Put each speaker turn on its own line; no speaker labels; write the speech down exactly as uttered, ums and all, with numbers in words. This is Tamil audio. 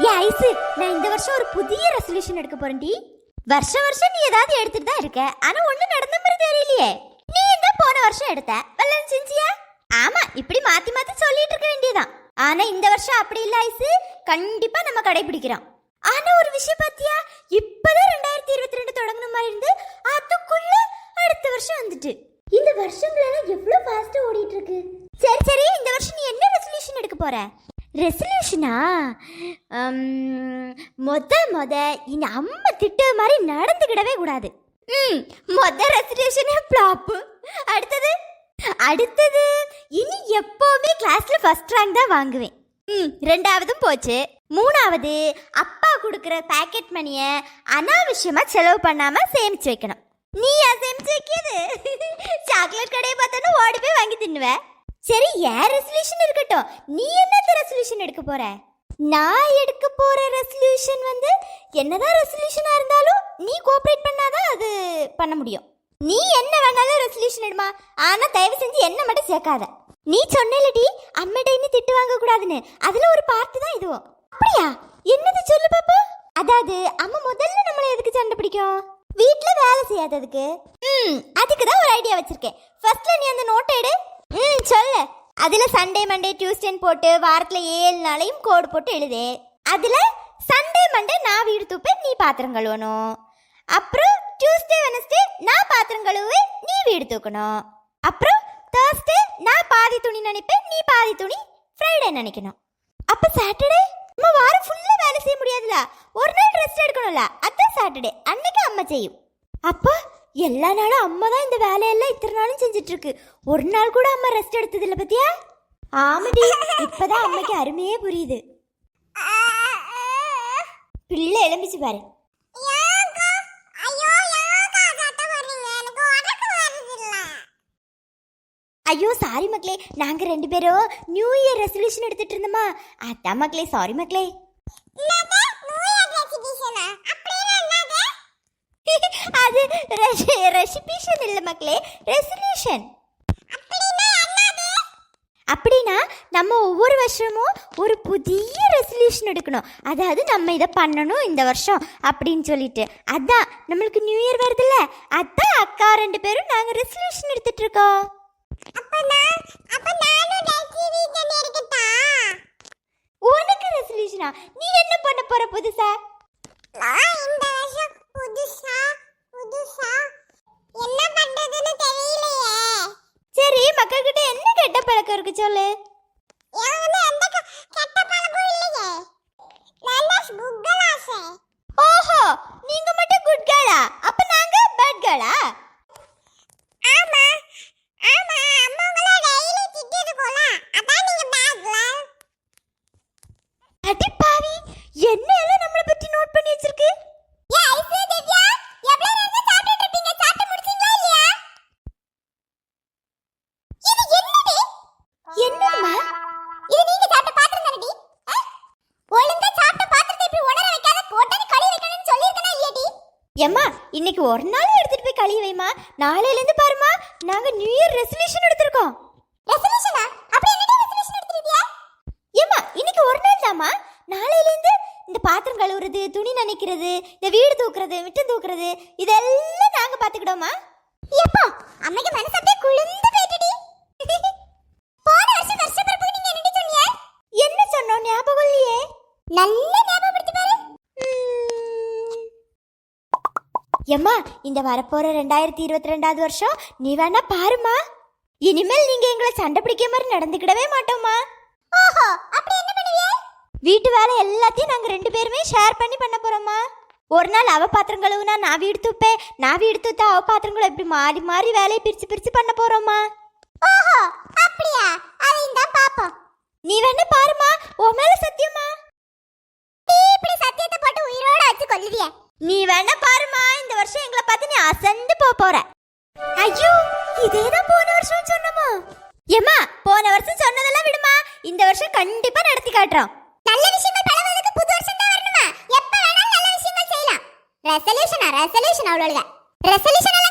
ஏ ஐசு, நான் இந்த வருஷம் ஒரு புதிய ரெசல்யூஷன் எடுக்க போறேன்டி. வருஷம் வருஷம் நீ ஏதாவது எடுத்துட்டு தான் இருக்க, ஆனா ஒண்ணு நடந்த மாதிரி தெரியலையே. நீ என்ன போன வருஷம் எடுத்த வெள்ளம் செஞ்சியா? ஆமா, இப்படி மாத்தி மாத்தி சொல்லிட்டு இருக்க வேண்டியதான். ஆனா இந்த வருஷம் அப்படி இல்ல ஐசு, கண்டிப்பா நம்ம கடைபிடிக்கிறோம். ஆனா ஒரு விஷயம் பாத்தியா, இப்பதான் ரெண்டாயிரத்தி இருபத்தி ரெண்டு தொடங்கின மாதிரி இருந்து அதுக்குள்ள அடுத்த வருஷம் வந்துட்டு. இந்த வருஷங்கள் எல்லாம் எவ்வளவு ஃபாஸ்டா ஓடிட்டு இருக்கு. சரி சரி, இந்த வருஷம் நீ என்ன ரெசல்யூஷன் எடுக்க போற? ரெசல்யூஷனா? மொத மொத இந்த அம்மா திட்ட மாதிரி நடந்துக்கிடவே கூடாது. ம் மொத ரெசல்யூஷனே ஃப்ளாப். அடுத்தது அடுத்தது இனி எப்பவுமே கிளாஸ்ல ஃபர்ஸ்ட் ரேங்க் தான் வாங்குவேன். ம் ரெண்டாவதும் போச்சு. மூணாவது, அப்பா கொடுக்குற பாக்கெட் மணியை அனாவசியமா செலவு பண்ணாம சேமிச்சு வைக்கணும். நீ ஏன் சேமிச்சு வைக்கிறது? சாக்லேட் கடையை பார்த்தாலும் ஓடி போய் வாங்கி தின்னுவேன். சரி, ஏன் ரெசல்யூஷன் இருக்கட்டும், நீ என்ன ரெசல்யூஷன் எடுக்க போற? நான் எடுக்க போற ரெசல்யூஷன் வந்து என்னதான் ரெசல்யூஷனா இருந்தாலும் நீ கோஆபரேட் பண்ணாதான் அது பண்ண முடியும். நீ என்ன வேணாலும் ரெசல்யூஷன் எடுமா, ஆனா தயவு செஞ்சு என்ன மட்டும் சேர்க்காத. நீ சொன்னேலடி அம்மிட்ட இனி திட்டு வாங்க கூடாதுன்னு, அதுல ஒரு பார்ட் தான் இதுவும். அப்படியா? என்னது சொல்லு பாப்பா. அதாவது அம்மா முதல்ல நம்மள எதுக்கு சண்டை பிடிக்கும்? வீட்ல வேலை செய்யாததுக்கு. ம் அதுக்கு தான் ஒரு ஐடியா வச்சிருக்கேன். ஃபர்ஸ்ட்ல நீ அந்த நோட்டை எடு. ம் சொல்லு. அதுல சண்டே மண்டே டியூஸ்டேன்னு போட்டு வாரத்துல ஏழு நாளையும் கோடு போட்டு எழுது. அதுல சண்டே மண்டே நான் வீடு தூப்பேன், நீ பாத்திரம் கழுவணும். அப்புறம் டியூஸ்டே வெனஸ்டே நான் பாத்திரம் கழுவுவேன், நீ வீடு தூக்கணும். அப்புறம் தேர்ஸ்டே நான் பாதி துணி நினைப்பேன், நீ பாதி துணி ஃப்ரைடே நினைக்கணும். அப்ப சாட்டர்டே நம்ம வாரம் ஃபுல்லா வேலை செய்ய முடியாதுல, ஒரு நாள் ரெஸ்ட் எடுக்கணும்ல, அதான் சாட்டர்டே அன்னைக்கு அம்மா செய்யும். அப்ப எல்லா நாளும் அம்மா தான் இந்த வேலையெல்லாம் இத்தனை நாளும் செஞ்சுட்டு இருக்கு. ஒரு நாள் கூட அம்மா ரெஸ்ட் எடுத்தது இல்ல பத்தியா? ஆமாடி, இப்பதான் அம்மைக்கு அருமையே புரியுது. பிள்ளை எழும்பிச்சு பாரு. ஐயோ சாரி மக்களே, நாங்க ரெண்டு பேரும் நியூ இயர் ரெசல்யூஷன் எடுத்துட்டு இருந்தோமா, அதான் மக்களே, சாரி மக்களே. அது ரெசிபிஷன் இல்ல மக்களே, ரெசல்யூஷன். அப்படின்னா நம்ம ஒவ்வொரு வருஷமும் ஒரு புதிய ரெசல்யூஷன் எடுக்கணும். அதாவது நம்ம இதை பண்ணணும் இந்த வருஷம் அப்படின்னு சொல்லிட்டு. அதான் நம்மளுக்கு நியூ இயர் வருதுல்ல, அதான் அக்கா ரெண்டு பேரும் நாங்க ரெசல்யூஷன் எடுத்துட்டு இருக்கோம். உனக்கு ரெசல்யூஷனா? நீ என்ன பண்ண போற புதுசா? சரி, மக்கள் கிட்ட என்ன கெட்ட பழக்கம் இருக்கு சொல்லு. ஓஹோ, நீங்க மட்டும் குட் கேர்ளா? அப்ப நாங்க பேட் கேர்ளா? அடிப்பாவி, என்ன எல்லாம் நம்மள பத்தி நோட் பண்ணி வச்சிருக்கு. ஏ ஐசு, திவ்யா, எவ்வளவு நேரம் சாப்பிட்டுட்டு இருப்பீங்க? சாப்பிட்டு முடிச்சீங்களா இல்லையா? இது என்னடி? என்னம்மா? இது நீங்க சாப்பிட்ட பாத்திரம் தானடி? ஒழுங்கா சாப்பிட்ட பாத்திரத்தை இப்படி உணர வைக்காத, போட்டு கழுவி வைக்கணும்னு சொல்லிருக்கனா இல்லையடி? ஏம்மா, இன்னைக்கு ஒரு நாள் எடுத்துட்டு போய் கழுவி வைமா. நாளையில இருந்து பாருமா, நாங்க நியூ இயர் ரெசல்யூஷன் எடுத்துறோம். ரெசல்யூஷனா? அப்படி என்னடி ரெசல்யூஷன் எடுத்துறியா? ஏம்மா, இன்னைக்கு ஒரு நாள் தாமா. நாளையில இருந்து இந்த பாத்திரம் கழுவுறது, துணி நனைக்கிறது, இந்த வீடு தூக்குறது, விட்டு தூக்குறது, இதெல்லாம் நாங்க பாத்துக்கிடோமா. எப்போ அம்மைக்கு மனசு அப்படியே குளிர்ந்து போயிடுடி. போன வருஷம் வருஷப்பிறப்பு நீங்க என்ன சொன்னீங்க? என்ன சொன்னோம் ஞாபகம் இல்லையே. நல்ல ஞாபகப்படுத்தி பாரு. ஏம்மா, இந்த வரப்போற ரெண்டாயிரத்தி இருபத்தி ரெண்டாவது வருஷம் நீ வேணா பாருமா. இனிமேல் நீங்க எங்களை சண்டை பிடிக்க மாதிரி நடந்துக்கிடவே மாட்டோமா. ஓஹோ, அப்படி என்ன பண்ணுவீங்க? வீட்டு வேலை எல்லாத்தையும் நாங்க ரெண்டு பேருமே ஷேர் பண்ணி பண்ண போறோமா. ஒரு நாள் அவ பாத்திரம் கழுவுனா நான் வீடு தூப்பேன், நான் வீடு தூத்தா அவ பாத்திரம் கழுவு, இப்படி மாறி மாறி வேலையை பிரிச்சு பிரிச்சு பண்ண போறோமா. ஓஹோ, அப்படியா? அதையும் தான் பாப்போம். நீ வேணா பாருமா, உன் மேல சத்தியமா. நீ இப்படி சத்தியத்தை போட்டு உயிரோட வச்சு கொல்லுவிய. நீ வேணா பாருமா, இந்த வருஷம் எங்களை பார்த்து நீ அசந்து போக போற. ஐயோ, இதேதான் போன வருஷம் சொன்னோமா. ஏமா, போன வருஷம் சொன்னதெல்லாம் விடுமா, இந்த வருஷம் கண்டிப்பா நடத்தி காட்டுறோம். நல்ல விஷயங்கள் பழகுறதுக்கு புது வருஷம் தான் வரணுமா? எப்ப வேணாலும் நல்ல விஷயங்கள் செய்யலாம். ரெசல்யூஷனா? ரெசல்யூஷன் அவ்வளவுதான். ரெசல்யூஷன்